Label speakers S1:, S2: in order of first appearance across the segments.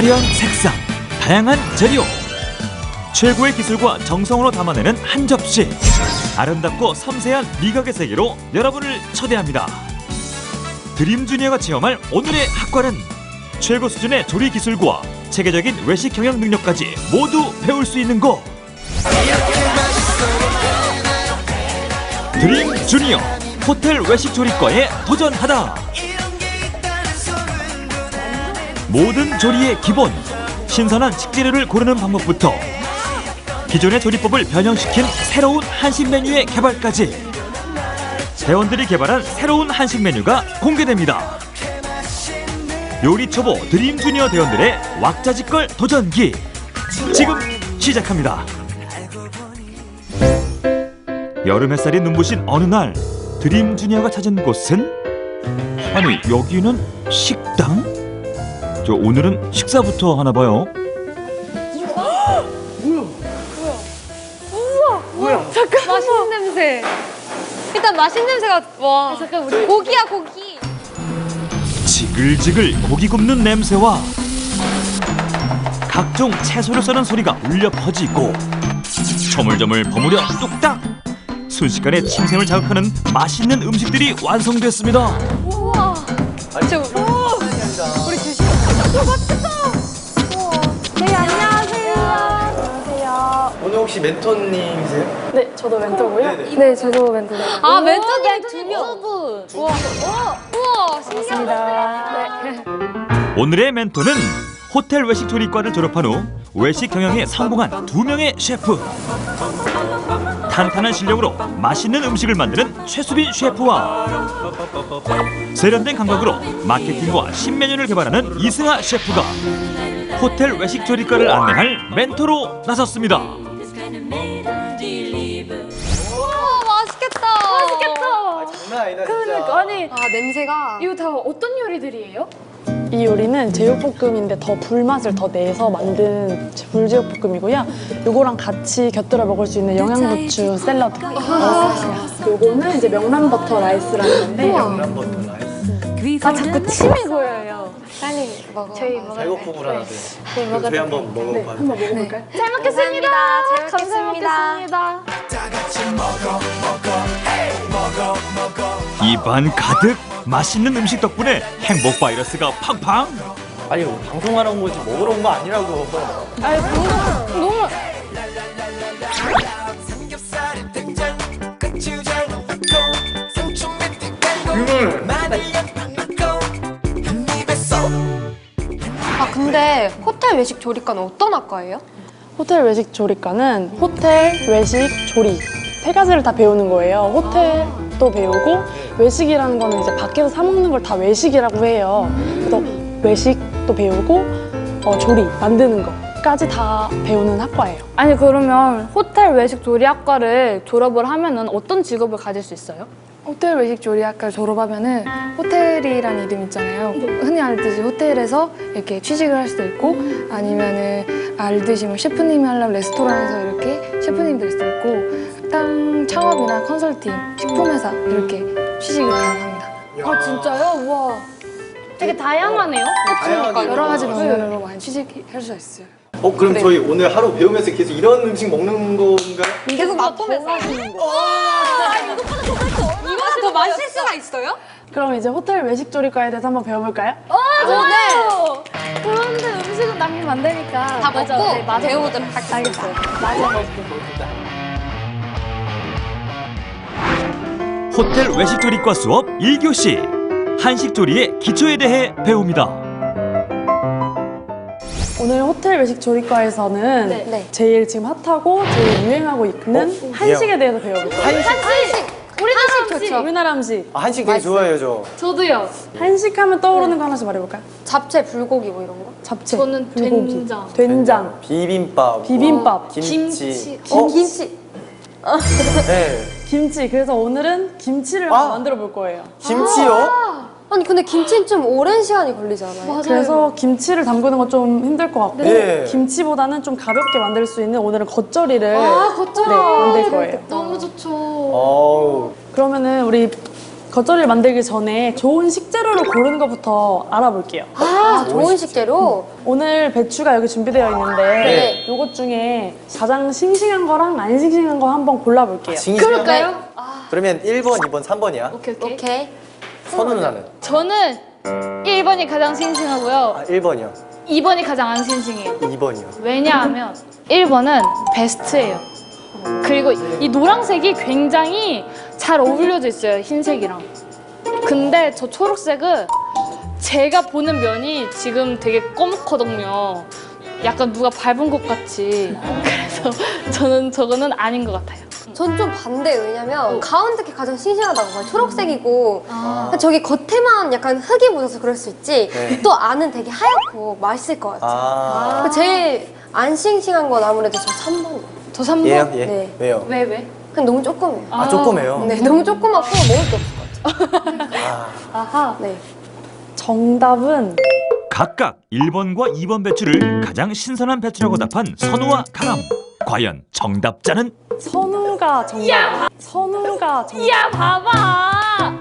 S1: 화려한 색상, 다양한 재료, 최고의 기술과 정성으로 담아내는 한 접시. 아름답고 섬세한 미각의 세계로 여러분을 초대합니다. 드림주니어가 체험할 오늘의 학과는 최고 수준의 조리 기술과 체계적인 외식 경영 능력까지 모두 배울 수 있는 곳. 드림주니어 호텔 외식 조리과에 도전하다. 모든 조리의 기본, 신선한 식재료를 고르는 방법부터 기존의 조리법을 변형시킨 새로운 한식 메뉴의 개발까지 대원들이 개발한 새로운 한식 메뉴가 공개됩니다. 요리 초보 드림주니어 대원들의 왁자지껄 도전기 지금 시작합니다. 여름 햇살이 눈부신 어느 날 드림주니어가 찾은 곳은, 아니 여기는 식당? 저 오늘은 식사부터 하나 봐요.
S2: 잠깐 맛있는 냄새. 일단 맛있는 냄새가 와. 잠깐 우리 고기야 고기.
S1: 지글지글 고기 굽는 냄새와 각종 채소를 써는 소리가 울려 퍼지고 저물저물 버무려 뚝딱 순식간에 침샘을 자극하는 맛있는 음식들이 완성됐습니다.
S2: 우와. 진짜 우리 드시고. 맛있다. 네 안녕하세요. 안녕하세요.
S3: 오늘 혹시 멘토님이세요?
S4: 네, 저도 멘토고요.
S3: 네네.
S4: 네, 저도 멘토고요.
S2: 아 멘토님
S4: 두
S2: 분.
S4: 분.
S2: 우와 신기하다.
S4: 네.
S1: 오늘의 멘토는 호텔 외식 조리과를 졸업한 후 외식 경영에 성공한 2명의 셰프. 탄탄한 실력으로 맛있는 음식을 만드는 최수빈 셰프와 세련된 감각으로 마케팅과 신메뉴를 개발하는 이승아 셰프가 호텔 외식 조리과를 안내할 멘토로 나섰습니다.
S2: 우와 맛있겠다.
S4: 맛있겠다.
S3: 장난 아니다 진짜.
S4: 그러니까 아니
S2: 아 냄새가.
S4: 이거 다 어떤 요리들이에요? 이 요리는 제육볶음인데 더 불맛을 더 내서 만든 불제육볶음이고요. 요거랑 같이 곁들여 먹을 수 있는 영양부추 샐러드. 요거는 이제 명란버터 라이스라는 건데.
S3: 명란버터 라이스.
S4: 아 자꾸 침이 고여요.
S2: 빨리 먹어.
S4: 저희 먹을 때.
S3: 배고프구나.
S4: 저희 먹을
S3: 저희
S4: 때.
S3: 한번 먹어봐도
S4: 네, 한번 먹어볼까요? 잘 먹겠습니다.
S2: 잘 먹겠습니다.
S1: 입안 가득 맛있는 음식 덕분에 행복 바이러스가 팡팡.
S3: 아니 방송하러 온 거지 먹으러 온 거 아니라고.
S4: 아니 너무
S2: 아 근데 호텔 외식 조리과는 어떤 학과예요?
S4: 호텔 외식 조리과는 호텔, 외식, 조리 세 가지를 다 배우는 거예요. 호텔도 배우고 외식이라는 거는 이제 밖에서 사 먹는 걸 다 외식이라고 해요. 그래서 외식도 배우고 조리, 만드는 거까지 다 배우는 학과예요.
S5: 아니 그러면 호텔 외식 조리학과를 졸업을 하면은 어떤 직업을 가질 수 있어요?
S6: 호텔 외식 조리학과를 졸업하면은 호텔이라는 이름 있잖아요. 흔히 알듯이 호텔에서 이렇게 취직을 할 수도 있고 아니면은 알듯이 뭐 셰프님이 하려면 레스토랑에서 이렇게 셰프님이 될 수도 있고 식당 창업이나 컨설팅, 식품회사 이렇게 취직이 가능합니다.
S5: 아 진짜요? 우와 되게 다양하네요.
S3: 다양하게
S6: 여러 가지
S3: 먹어요.
S6: 방면으로 많이 취직할 수 있어요.
S3: 그럼 저희 오늘 하루 배우면서 계속 이런 음식 먹는 건가요?
S2: 계속 맛보면서 하시는 거. 이거보다 더 맛있을 수가 있어요?
S4: 그럼 이제 호텔 외식 조리과에 대해서 한번 배워볼까요?
S2: 좋네.
S5: 그런데 음식은 남기면 안 되니까.
S2: 다 먹고
S5: 네, 맞아.
S2: 배워보도록 하겠습니다.
S4: 알겠어요. 맞아.
S1: 호텔 외식 조리과 수업 1교시 한식 조리의 기초에 대해 배웁니다.
S4: 오늘 호텔 외식 조리과에서는
S2: 네.
S4: 제일 지금 핫하고 제일 유행하고 있는 한식에 대해서 배워볼게요.
S2: 한식. 우리나라 좋죠.
S4: 우리나라 음식.
S3: 한식 되게 좋아해요 저.
S5: 저도요.
S4: 한식하면 떠오르는 거 하나씩 말해볼까요?
S2: 잡채, 불고기 뭐 이런 거?
S4: 잡채,
S5: 저는
S4: 불고기,
S5: 된장.
S4: 된장,
S3: 비빔밥.
S4: 비빔밥,
S3: 김치.
S2: 김치.
S3: 네.
S4: 김치. 그래서 오늘은 김치를 한번 만들어 볼 거예요.
S3: 김치요?
S2: 아니 근데 김치는 좀 오랜 시간이 걸리잖아요.
S4: 그래서 김치를 담그는 건 좀 힘들 것 같고
S3: 네.
S4: 김치보다는 좀 가볍게 만들 수 있는 오늘은 겉절이를
S2: 겉절이.
S4: 네, 만들 거예요.
S5: 너무 좋죠.
S3: 어우.
S4: 그러면은 우리 겉절이를 만들기 전에 좋은 식재료를 고르는 것부터 알아볼게요.
S2: 아, 좋은 식재료?
S4: 오늘 배추가 여기 준비되어 있는데
S2: 네.
S4: 요것 중에 가장 싱싱한 거랑 안 싱싱한 거 한번 골라볼게요.
S2: 그럴까요?
S3: 그러면 1번, 2번, 3번이야.
S5: 오케이.
S2: 오케이.
S3: 선우 누나는?
S5: 저는 1번이 가장 싱싱하고요.
S3: 아, 1번이요.
S5: 2번이 가장 안 싱싱해요.
S3: 2번이요.
S5: 왜냐하면 1번은 베스트예요. 그리고 이 노란색이 굉장히 잘 어울려져 있어요, 흰색이랑. 근데 저 초록색은 제가 보는 면이 지금 되게 검거든요. 약간 누가 밟은 것 같이. 그래서 저는 저거는 아닌 것 같아요.
S2: 전 좀 반대예요. 왜냐면 가운데 게 가장 싱싱하다고 봐요. 초록색이고 저기 겉에만 약간 흙이 묻어서 그럴 수 있지
S3: 네.
S2: 또 안은 되게 하얗고 맛있을 것 같아요.
S3: 아.
S2: 제일 안 싱싱한 건 아무래도 저 3번이에요.
S5: 저 3번.
S3: 얘요? 얘?
S2: 네.
S3: 왜요?
S5: 왜?
S2: 그냥 너무 조그매요.
S3: 아, 조그매요?
S2: 네, 너무 조그맣고 먹을 게 없을 것 같아요.
S5: 아하.
S2: 네.
S4: 정답은
S1: 각각 1번과 2번 배추를 가장 신선한 배추라고 답한 선우와 강함. 과연 정답자는?
S4: 선우가 정답. 선우가 정답.
S5: 야, 봐봐.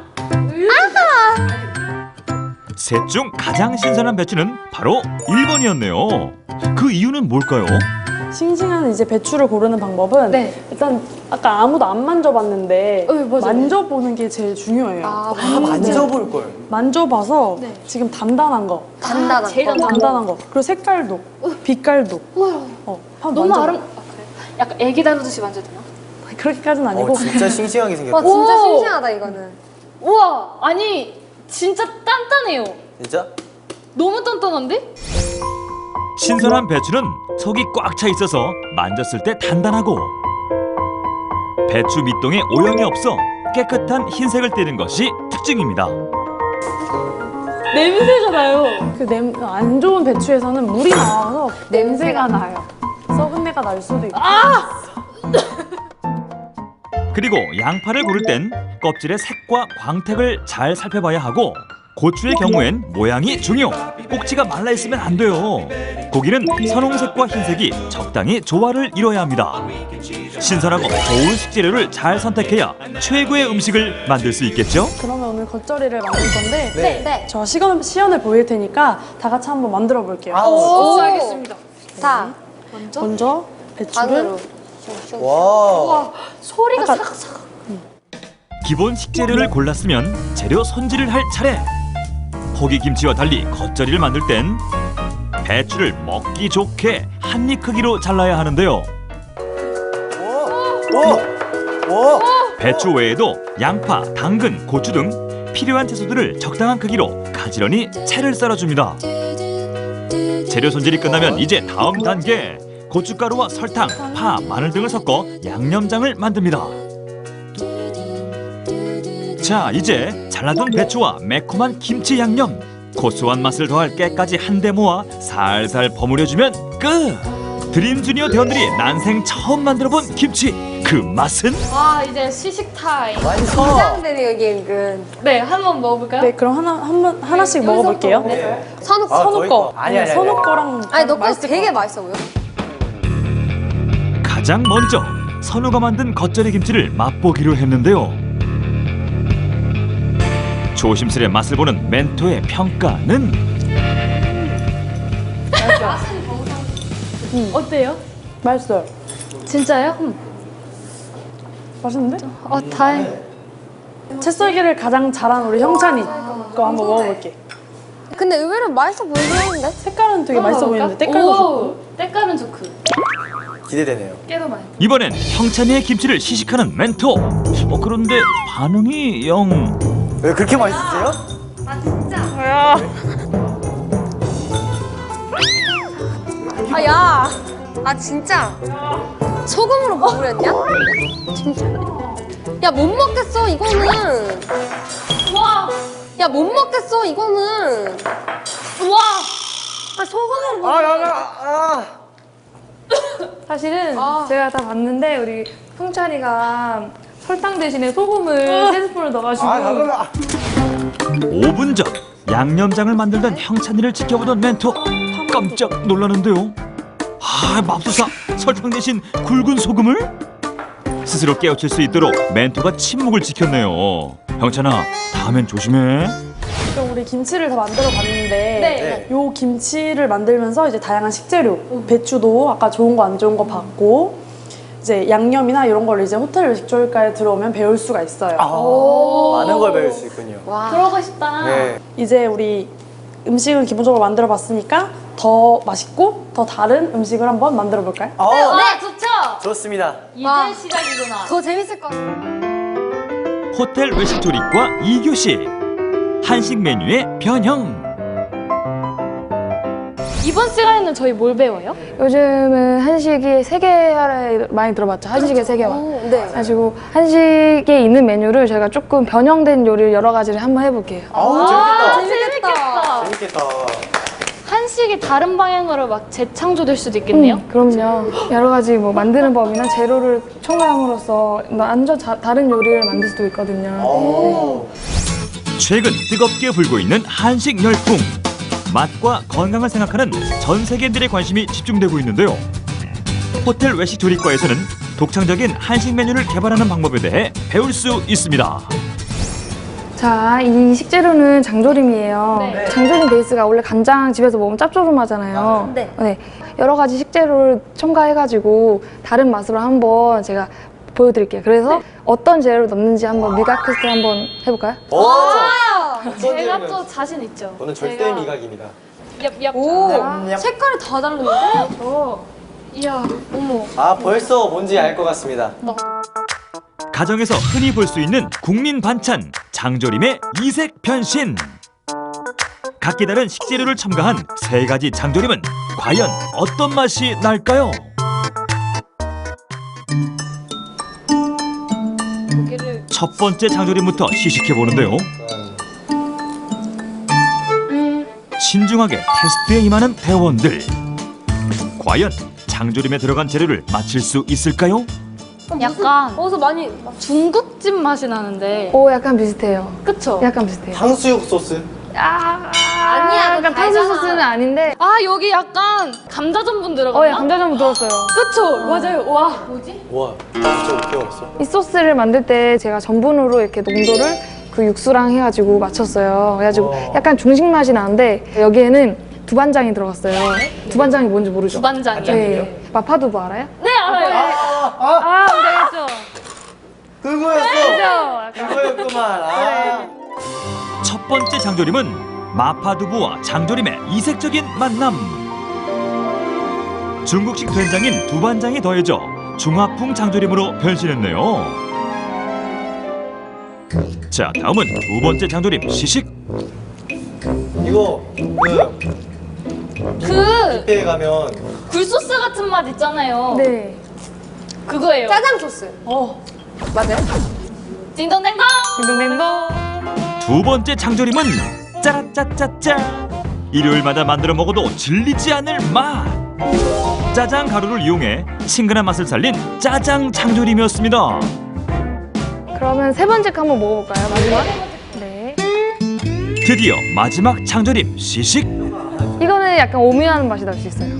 S1: 셋 중 가장 신선한 배추는 바로 1번이었네요. 그 이유는 뭘까요?
S4: 싱싱한 이제 배추를 고르는 방법은
S5: 네.
S4: 일단 아까 아무도 안 만져봤는데
S5: 맞아요.
S4: 만져보는 게 제일 중요해요.
S2: 아,
S3: 아, 만져볼 걸.
S4: 만져봐서 지금 단단한 거,
S2: 단단한
S5: 제일
S2: 거.
S4: 단단한 거, 그리고 색깔도, 빛깔도. 한번
S5: 너무
S4: 만져봐.
S5: 아름. 약간 애기 다루듯이 만져도 되나?
S4: 그렇게까지는 아니고
S3: 진짜 싱싱하게
S2: 와,
S3: 생겼다.
S2: 진짜
S5: 오!
S2: 싱싱하다, 이거는.
S5: 우와, 아니 진짜 단단해요.
S3: 진짜?
S5: 너무 단단한데?
S1: 신선한 배추는 속이 꽉 차 있어서 만졌을 때 단단하고 배추 밑동에 오염이 없어 깨끗한 흰색을 띠는 것이 특징입니다.
S5: 냄새가 나요.
S4: 안 좋은 배추에서는 물이 나와서 냄새가 나요. 썩은 내가 날 수도 있고.
S1: 그리고 양파를 고를 땐 껍질의 색과 광택을 잘 살펴봐야 하고 고추의 경우엔 모양이 중요. 꼭지가 말라 있으면 안 돼요. 고기는 선홍색과 흰색이 적당히 조화를 이뤄야 합니다. 신선하고 좋은 식재료를 잘 선택해야 최고의 음식을 만들 수 있겠죠?
S4: 그러면 오늘 겉절이를 만들 건데
S3: 네.
S2: 네.
S4: 저 시연을 보일 테니까 다 같이 한번 만들어 볼게요.
S3: 아,
S5: 오, 알겠습니다.
S2: 자,
S4: 먼저 배추를
S2: 반으로.
S3: 와.
S5: 소리가
S4: 약간-
S5: 사각사각.
S1: 기본 식재료를 골랐으면 재료 손질을 할 차례. 포기김치와 달리 겉절이를 만들 땐 배추를 먹기 좋게 한 입 크기로 잘라야 하는데요.
S3: 오!
S1: 배추 외에도 양파, 당근, 고추 등 필요한 채소들을 적당한 크기로 가지런히 채를 썰어줍니다. 재료 손질이 끝나면 이제 다음 단계. 고춧가루와 설탕, 파, 마늘 등을 섞어 양념장을 만듭니다. 자, 이제 잘라둔 배추와 매콤한 김치 양념, 고소한 맛을 더할 깨까지 한데 모아 살살 버무려주면 끝! 드림주니어 대원들이 난생 처음 만들어본 김치, 그 맛은?
S5: 아, 이제 시식 타임.
S3: 완성!
S2: 긴장되네요, 이게 은근.
S5: 네, 한번 먹어볼까요?
S4: 네, 그럼 하나씩 먹어볼게요.
S2: 선우
S3: 아,
S4: 선우
S3: 저희
S4: 거.
S3: 거. 아니.
S4: 선우 거랑
S2: 아니, 너 거
S4: 맛있을 것
S2: 되게
S4: 같아요.
S2: 맛있어 보여.
S1: 가장 먼저 선우가 만든 겉절이 김치를 맛보기로 했는데요. 조심스레 맛을 보는 멘토의 평가는?
S5: 어때요?
S4: 맛있어요.
S5: 진짜요?
S4: 맛있는데?
S5: 다행.
S4: 채썰기를 가장 잘한 우리 형찬이 거 한번 먹어볼게.
S2: 근데 의외로 맛있어 보이긴 하는데?
S4: 색깔은 되게 맛있어 보이는데 때깔도 좋고.
S5: 때깔은 좋고.
S3: 기대되네요.
S5: 깨도 많이.
S1: 이번엔 형찬이의 김치를 시식하는 멘토. 그런데 반응이 영...
S3: 왜 그렇게 맛있으세요?
S2: 아, 야. 아, 진짜. 소금으로 버무렸냐? 진짜. 야, 못 먹겠어, 이거는.
S5: 와,
S2: 야, 못 먹겠어, 이거는.
S5: 와.
S2: 아, 소금으로
S6: 사실은 제가 다 봤는데 우리 형찬이가 설탕 대신에 소금을 3스푼을 넣어가지고
S1: 5분 전 양념장을 만들던 형찬이를 지켜보던 멘토. 깜짝 놀라는데요. 맙소사, 설탕 대신 굵은 소금을? 스스로 깨우칠 수 있도록 멘토가 침묵을 지켰네요. 형찬아, 다음엔 조심해.
S4: 그럼 우리 김치를 다 만들어 봤는데 요 김치를 만들면서 이제 다양한 식재료, 배추도 아까 좋은 거 안 좋은 거 봤고 이제 양념이나 이런 걸 이제 호텔 외식조리과에 들어오면 배울 수가 있어요.
S3: 많은 걸 배울 수 있군요.
S5: 그러고 싶다.
S3: 네.
S4: 이제 우리 음식은 기본적으로 만들어 봤으니까 더 맛있고 더 다른 음식을 한번 만들어 볼까요?
S5: 네, 좋죠.
S3: 좋습니다.
S5: 이제 시작이구나.
S2: 더 재밌을 것 같아.
S1: 호텔 외식조리과 2교시 한식 메뉴의 변형.
S5: 이번 시간에는 저희 뭘 배워요?
S6: 요즘은 한식이 세계화를 많이 들어봤죠. 한식의 세계화.
S2: 네.
S6: 가지고 한식에 있는 메뉴를 저희가 조금 변형된 요리를 여러 가지를 한번 해볼게요.
S5: 재밌겠다.
S3: 재밌겠다.
S5: 한식이 다른 방향으로 막 재창조될 수도 있겠네요.
S6: 그럼요. 여러 가지 뭐 만드는 법이나 재료를 첨가함으로써 완전 다른 요리를 만들 수도 있거든요.
S1: 최근 뜨겁게 불고 있는 한식 열풍. 맛과 건강을 생각하는 전 세계인들의 관심이 집중되고 있는데요. 호텔 외식조리과에서는 독창적인 한식 메뉴를 개발하는 방법에 대해 배울 수 있습니다.
S6: 자, 이 식재료는 장조림이에요.
S5: 네.
S6: 장조림 베이스가 원래 간장 집에서 먹으면 짭조름하잖아요.
S2: 네.
S6: 여러 가지 식재료를 첨가해가지고 다른 맛으로 한번 제가 보여드릴게요. 그래서 어떤 재료를 넣는지 한번 미각 테스트 한번 해볼까요?
S5: 제가 또 자신 있죠.
S3: 저는 절대 미각입니다.
S5: 얍얍.
S2: 오, 색깔이 다 다른데?
S5: 이야, 어머.
S3: 아, 벌써 뭔지 알 것 같습니다.
S1: 가정에서 흔히 볼 수 있는 국민 반찬 장조림의 이색 변신. 각기 다른 식재료를 첨가한 세 가지 장조림은 과연 어떤 맛이 날까요?
S5: 고기를
S1: 첫 번째 장조림부터 시식해 보는데요. 신중하게 테스트에 임하는 대원들. 과연 장조림에 들어간 재료를 맞힐 수 있을까요?
S5: 약간
S2: 어디서 많이
S5: 중국집 맛이 나는데.
S6: 오, 약간 비슷해요.
S5: 그쵸?
S6: 약간 비슷해요.
S3: 탕수육 소스.
S2: 아니야,
S6: 약간 탕수 소스는 아닌데.
S5: 아, 여기 약간 감자 전분 들어갔나?
S6: 예, 감자전분 들었어요.
S5: 그쵸? 맞아요. 와. 뭐지?
S3: 와, 진짜 어떻게 알았어?
S6: 이 소스를 만들 때 제가 전분으로 이렇게 농도를 그 육수랑 해가지고 맞췄어요. 그래가지고 약간 중식 맛이 나는데 여기에는 두반장이 들어갔어요. 두반장이 뭔지 모르죠?
S5: 두반장이요?
S6: 네. 마파두부 알아요?
S5: 네, 알아요.
S6: 아, 알겠죠.
S3: 그거였어. 그거였구만.
S1: 첫 번째 장조림은 마파두부와 장조림의 이색적인 만남. 중국식 된장인 두반장이 더해져 중화풍 장조림으로 변신했네요. 자, 다음은 두 번째 장조림 시식.
S3: 이거
S5: 그
S3: 뷔페에 가면
S5: 굴소스 같은 맛 있잖아요.
S6: 네.
S5: 그거예요.
S2: 짜장 소스.
S6: 맞아요?
S5: 띵동댕동.
S6: 딩동댕동.
S1: 두 번째 장조림은 짜라짜짜짜. 일요일마다 만들어 먹어도 질리지 않을 맛. 짜장 가루를 이용해 친근한 맛을 살린 짜장 장조림이었습니다.
S6: 그러면 세 번째 거 한번 먹어볼까요? 마지막? 네.
S1: 드디어 마지막 장조림 시식.
S6: 이거는 약간 오묘한 맛이 날 수 있어요.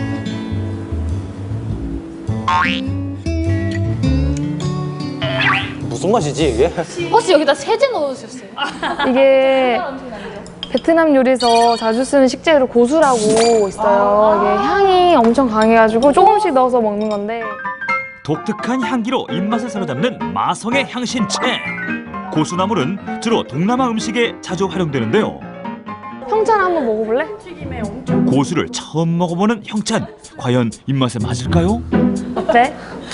S3: 무슨 맛이지 이게?
S5: 혹시 여기다 세제 넣어주셨어요?
S6: 이게
S5: 음식 아니죠?
S6: 베트남 요리에서 자주 쓰는 식재료 고수라고 있어요. 이게 향이 엄청 강해가지고 조금씩 넣어서 먹는 건데
S1: 독특한 향기로 입맛을 사로잡는 마성의 향신채. 고수나물은 주로 동남아 음식에 자주 활용되는데요.
S6: 형찬 한번 먹어볼래?
S1: 고수를 처음 먹어보는 형찬. 과연 입맛에 맞을까요?
S6: 어때?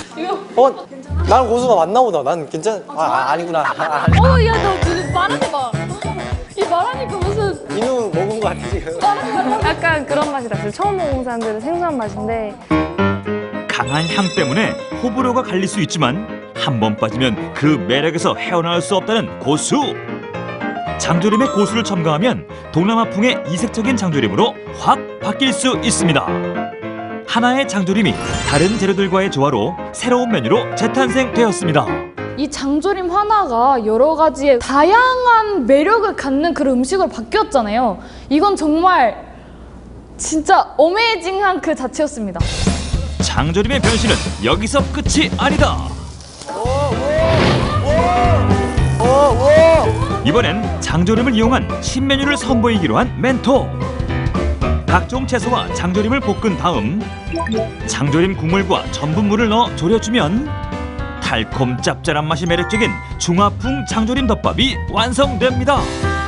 S3: 난 고수가 맞나 보다. 난 괜찮. 아니구나.
S5: 야, 너 지금 말하는 거. 이 말하니까 무슨.
S3: 인우 먹은 거 같아 지금.
S6: 약간 그런 맛이 났어요. 처음 먹은 사람들은 생소한 맛인데
S1: 강한 향 때문에 호불호가 갈릴 수 있지만 한 번 빠지면 그 매력에서 헤어나올 수 없다는 고수. 장조림에 고수를 첨가하면 동남아풍의 이색적인 장조림으로 확 바뀔 수 있습니다. 하나의 장조림이 다른 재료들과의 조화로 새로운 메뉴로 재탄생되었습니다.
S5: 이 장조림 하나가 여러 가지의 다양한 매력을 갖는 그런 음식으로 바뀌었잖아요. 이건 정말 진짜 어메이징한 그 자체였습니다.
S1: 장조림의 변신은 여기서 끝이 아니다. 이번엔 장조림을 이용한 신메뉴를 선보이기로 한 멘토. 각종 채소와 장조림을 볶은 다음 장조림 국물과 전분물을 넣어 졸여주면 달콤 짭짤한 맛이 매력적인 중화풍 장조림 덮밥이 완성됩니다.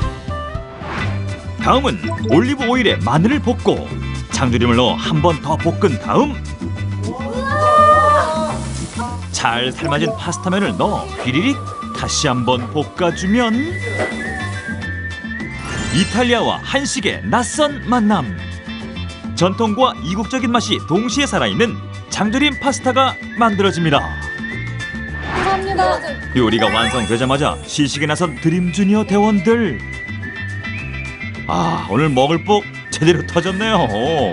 S1: 다음은 올리브 오일에 마늘을 볶고 장조림을 넣어 한 번 더 볶은 다음 잘 삶아진 파스타면을 넣어 휘리릭 다시 한번 볶아주면 이탈리아와 한식의 낯선 만남. 전통과 이국적인 맛이 동시에 살아있는 장조림 파스타가 만들어집니다.
S5: 감사합니다.
S1: 요리가 완성되자마자 시식에 나선 드림주니어 대원들. 아, 오늘 먹을 복 제대로 터졌네요.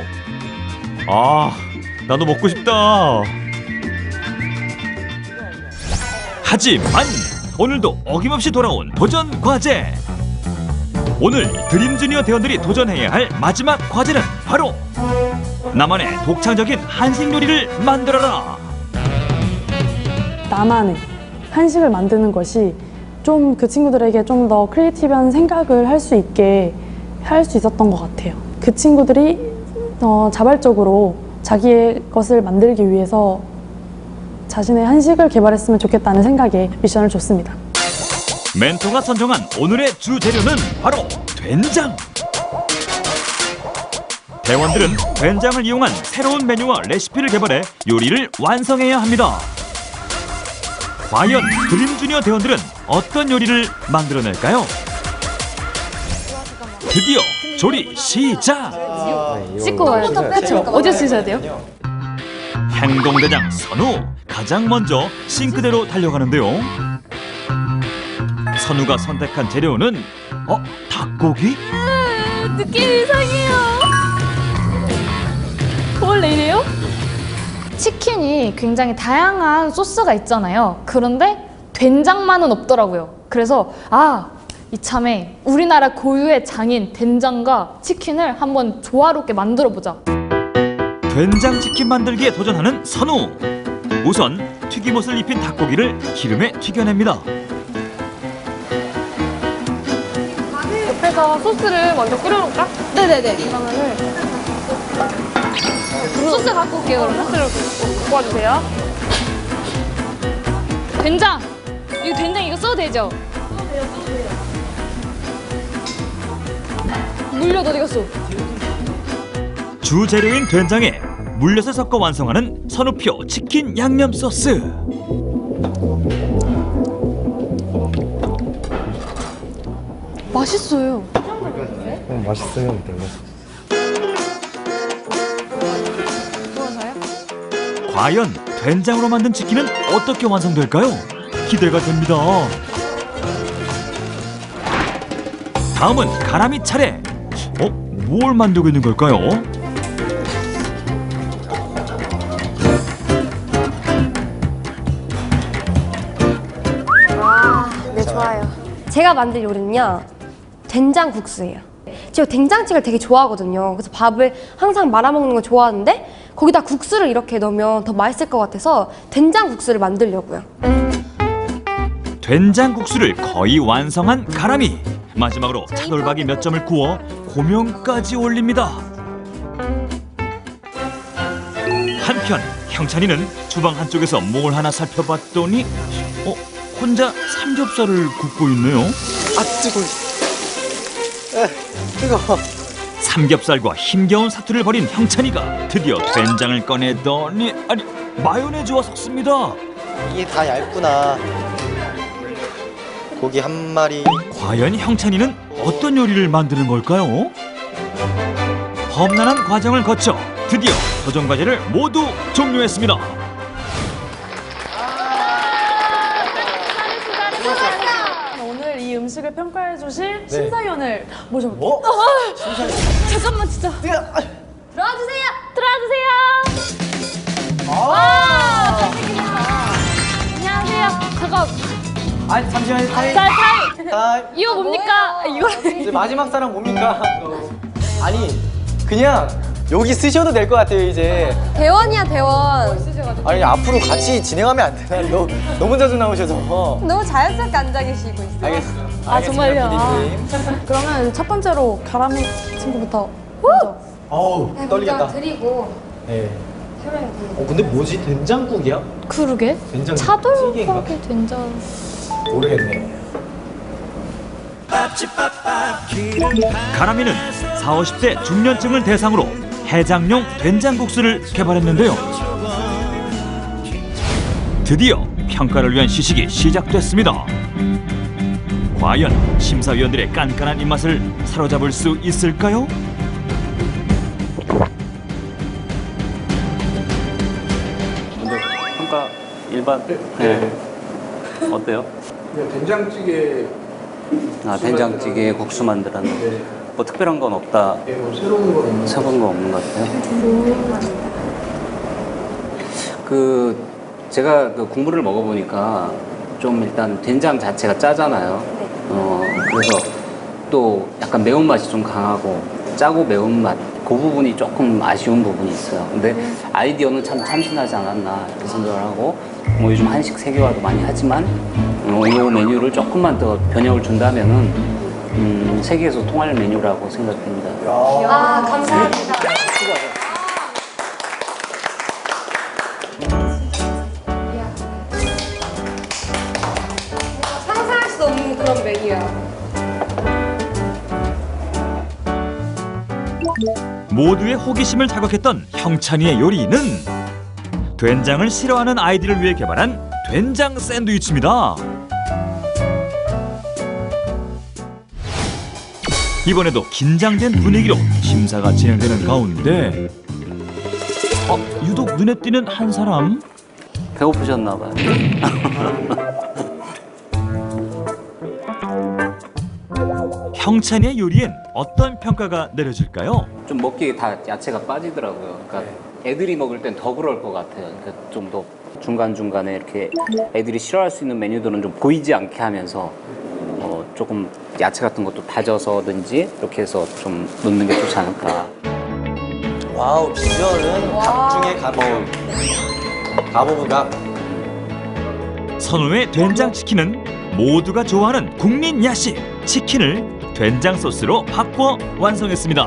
S1: 아, 나도 먹고 싶다. 하지만 오늘도 어김없이 돌아온 도전 과제. 오늘 드림주니어 대원들이 도전해야 할 마지막 과제는 바로 나만의 독창적인 한식 요리를 만들어라.
S4: 나만의 한식을 만드는 것이 좀 그 친구들에게 좀 더 크리에이티브한 생각을 할 수 있게 할 수 있었던 것 같아요. 그 친구들이 자발적으로 자기의 것을 만들기 위해서 자신의 한식을 개발했으면 좋겠다는 생각에 미션을 줬습니다.
S1: 멘토가 선정한 오늘의 주 재료는 바로 된장. 대원들은 된장을 이용한 새로운 메뉴와 레시피를 개발해 요리를 완성해야 합니다. 과연 드림주니어 대원들은 어떤 요리를 만들어낼까요? 드디어 조리 시작!
S5: 씻고 와야 돼요. 그렇죠. 어디서 씻어야 돼요?
S1: 행동대장 선우, 가장 먼저 싱크대로 달려가는데요. 선우가 선택한 재료는 닭고기?
S5: 느낌이 이상해요. 원래 이래요? 치킨이 굉장히 다양한 소스가 있잖아요. 그런데 된장만은 없더라고요. 그래서 이참에 우리나라 고유의 장인 된장과 치킨을 한번 조화롭게 만들어보자.
S1: 된장치킨 만들기에 도전하는 선우. 우선 튀김옷을 입힌 닭고기를 기름에 튀겨냅니다.
S6: 옆에서 소스를 먼저 끓여놓을까?
S5: 네네네.
S6: 그러면은
S5: 소스 갖고 올게요, 그러면.
S6: 소스를 갖고 와주세요.
S5: 된장! 이거 된장 이거 써도 되죠? 물엿 어디 갔어?
S1: 주 재료인 된장에 물엿을 섞어 완성하는 선우표 치킨 양념 소스.
S5: 맛있어요.
S3: 맛있으면 되네.
S1: 과연 된장으로 만든 치킨은 어떻게 완성될까요? 기대가 됩니다. 다음은 가람이 차례. 뭘 만들고 있는 걸까요?
S2: 네, 좋아요. 제가 만들 요리는요, 된장국수예요. 제가 된장찌개를 되게 좋아하거든요. 그래서 밥을 항상 말아먹는 거 좋아하는데 거기다 국수를 이렇게 넣으면 더 맛있을 것 같아서 된장국수를 만들려고요.
S1: 된장국수를 거의 완성한 가람이. 마지막으로 차돌박이 몇 점을 구워 고명까지 올립니다. 한편 형찬이는 주방 한쪽에서 뭘 하나 살펴봤더니 혼자 삼겹살을 굽고 있네요.
S3: 뜨거워.
S1: 삼겹살과 힘겨운 사투를 벌인 형찬이가 드디어 된장을 꺼내더니 마요네즈와 섞습니다.
S3: 이게 다 얇구나. 고기 한 마리.
S1: 과연 형찬이는 어떤 요리를 만드는 걸까요? 험난한 과정을 거쳐 드디어 도전 과제를 모두 종료했습니다.
S4: 오늘 이 음식을 평가해 주실 심사위원을 모셔볼게요.
S3: 뭐?
S5: 잠깐만 진짜.
S2: 들어와주세요!
S5: 들어와주세요. 와, 잘생기셨다. 안녕하세요. 잠깐.
S3: 아니 잠시만요. 타임.
S5: 자, 타임.
S3: 타임.
S5: 이거 뭡니까? 이거
S3: 이제 마지막 사람 뭡니까? 아니 그냥 여기 쓰셔도 될 것 같아요 이제.
S2: 대원이야 대원.
S3: 아니 앞으로 같이 진행하면 안 되나? 너무 자주 나오셔서.
S2: 너무 자연스럽게 앉아 계시고 있어요.
S3: 알겠습니다.
S4: 아, 정말요?
S3: PD님.
S4: 그러면 첫 번째로 가람이 친구부터 먼저.
S3: 어우 떨리겠다.
S2: 드리고
S3: 네.
S2: 설명해 드리고.
S3: 근데 뭐지 된장국이야?
S5: 그러게.
S3: 된장
S5: 차돌박이 된장.
S3: 모르겠네.
S1: 가람이는 40, 50대 중년층을 대상으로 해장용 된장국수를 개발했는데요. 드디어 평가를 위한 시식이 시작됐습니다. 과연 심사위원들의 깐깐한 입맛을 사로잡을 수 있을까요?
S7: 먼저 평가 일반. 네. 어때요?
S8: 된장찌개
S7: 된장찌개 국수 만들었는데 뭐 특별한 건 없다.
S8: 뭐 새로운 건 있나요?
S7: 새로운 거 없는 것 같아요. 제가 그 국물을 먹어보니까 좀 일단 된장 자체가 짜잖아요. 그래서 또 약간 매운맛이 좀 강하고 짜고 매운맛 그 부분이 조금 아쉬운 부분이 있어요. 근데 아이디어는 참 참신하지 않았나 이렇게 생각을 하고 뭐 요즘 한식 세계화도 많이 하지만 이 메뉴를 조금만 더 변형을 준다면은 세계에서 통할 메뉴라고 생각됩니다.
S2: 아 감사합니다. 상상할 수 없는 그런 메뉴야.
S1: 모두의 호기심을 자극했던 형찬이의 요리는 된장을 싫어하는 아이들을 위해 개발한 된장 샌드위치입니다. 이번에도 긴장된 분위기로 심사가 진행되는 가운데 유독 눈에 띄는 한 사람.
S7: 배고프셨나 봐요.
S1: 형찬이의 요리엔 어떤 평가가 내려질까요?
S7: 좀 먹기에 다 야채가 빠지더라고요. 그러니까 애들이 먹을 땐 더 그럴 것 같아요. 그러니까 좀 더 중간중간에 이렇게 애들이 싫어할 수 있는 메뉴들은 좀 보이지 않게 하면서 조금 야채 같은 것도 다져서든지 이렇게 해서 좀 넣는 게 좋지 않을까.
S3: 와우 비주얼은 각 중에 가보부가.
S1: 선우의 된장치킨은 모두가 좋아하는 국민 야식 치킨을 된장 소스로 바꿔 완성했습니다.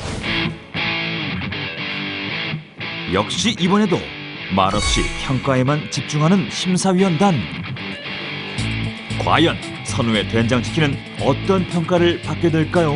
S1: 역시 이번에도 말없이 평가에만 집중하는 심사위원단. 과연 선우의 된장치킨은 어떤 평가를 받게 될까요?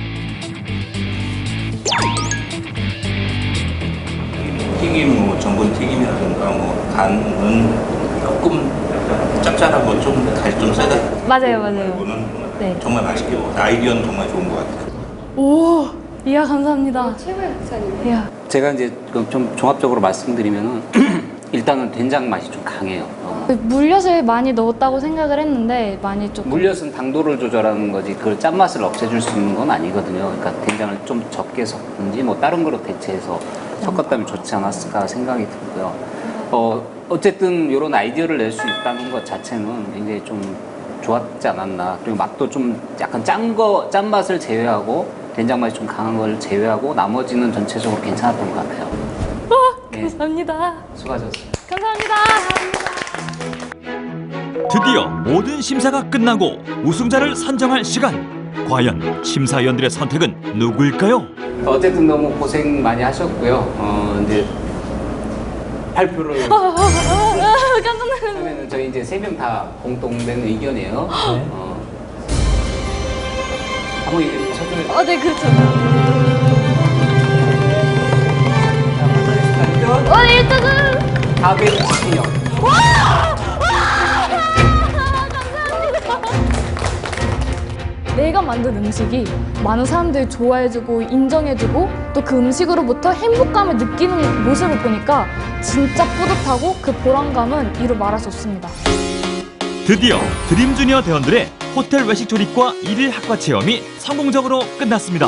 S9: 튀김, 뭐 전분 튀김이라든가 뭐 간은 조금 짭짤하고 좀 간이 좀 세다.
S5: 맞아요.
S9: 이거는
S5: 네.
S9: 정말 맛있게 먹었어요. 아이디어는 정말 좋은 것 같아요.
S5: 오, 이야 감사합니다.
S2: 최고의 국산입니다.
S5: 이야.
S7: 제가 이제 좀 종합적으로 말씀드리면은 일단은 된장 맛이 좀 강해요.
S5: 물엿을 많이 넣었다고 생각을 했는데 많이 조금.
S7: 물엿은 당도를 조절하는 거지 그걸 짠맛을 없애줄 수 있는 건 아니거든요. 그러니까 된장을 좀 적게 섞든지 뭐 다른 거로 대체해서 섞었다면 좋지 않았을까 생각이 들고요. 어쨌든 이런 아이디어를 낼 수 있다는 것 자체는 굉장히 좀 좋았지 않았나. 그리고 맛도 좀 약간 짠맛을 제외하고 된장 맛이 좀 강한 걸 제외하고 나머지는 전체적으로 괜찮았던 것 같아요.
S5: 감사합니다.
S7: 수고하셨어요.
S5: 감사합니다.
S1: 드디어 모든 심사가 끝나고 우승자를 선정할 시간. 과연 심사위원들의 선택은 누구일까요?
S7: 어쨌든 너무 고생 많이 하셨고요. 이제 발표를 하면은 저희 이제 3명 다 공통된 의견이에요. 한번 이제 서준을.
S5: 네 그렇죠. 일단은
S7: 다베 치킨이요.
S5: 내가 만든 음식이 많은 사람들이 좋아해주고 인정해주고 또 그 음식으로부터 행복감을 느끼는 모습을 보니까 진짜 뿌듯하고 그 보람감은 이루 말할 수 없습니다.
S1: 드디어 드림주니어 대원들의 호텔 외식 조리과 1일 학과 체험이 성공적으로 끝났습니다.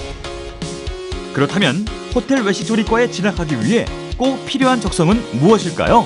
S1: 그렇다면 호텔 외식 조리과에 진학하기 위해 꼭 필요한 적성은 무엇일까요?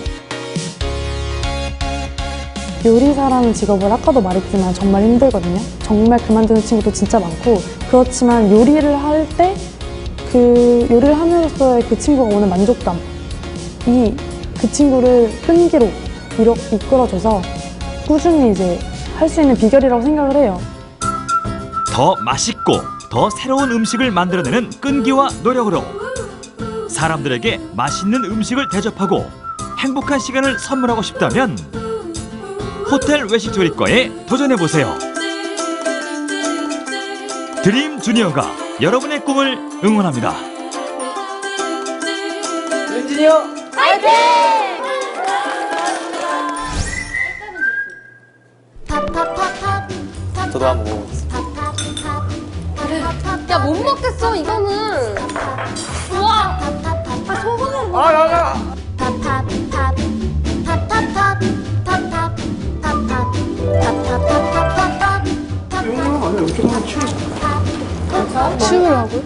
S4: 요리사라는 직업을 아까도 말했지만 정말 힘들거든요. 정말 그만두는 친구도 진짜 많고 그렇지만 요리를 할 때 그 요리를 함으로써의 그 친구가 오는 만족감, 그 친구를 끈기로 이끌어줘서 꾸준히 이제 할 수 있는 비결이라고 생각을 해요.
S1: 더 맛있고 더 새로운 음식을 만들어내는 끈기와 노력으로 사람들에게 맛있는 음식을 대접하고 행복한 시간을 선물하고 싶다면 호텔 외식조리과에 도전해보세요. 드림 주니어가 여러분의 꿈을 응원합니다.
S3: 윤진이 형! 저도 한번 먹어보겠습니다.
S2: 야, 못 먹겠어, 이거는. 우와! 아, 소금은 뭐.
S6: 치우라고요?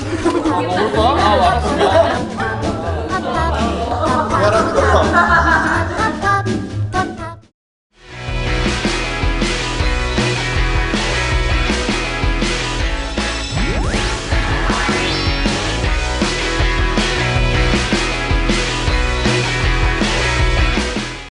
S3: 미안합니다.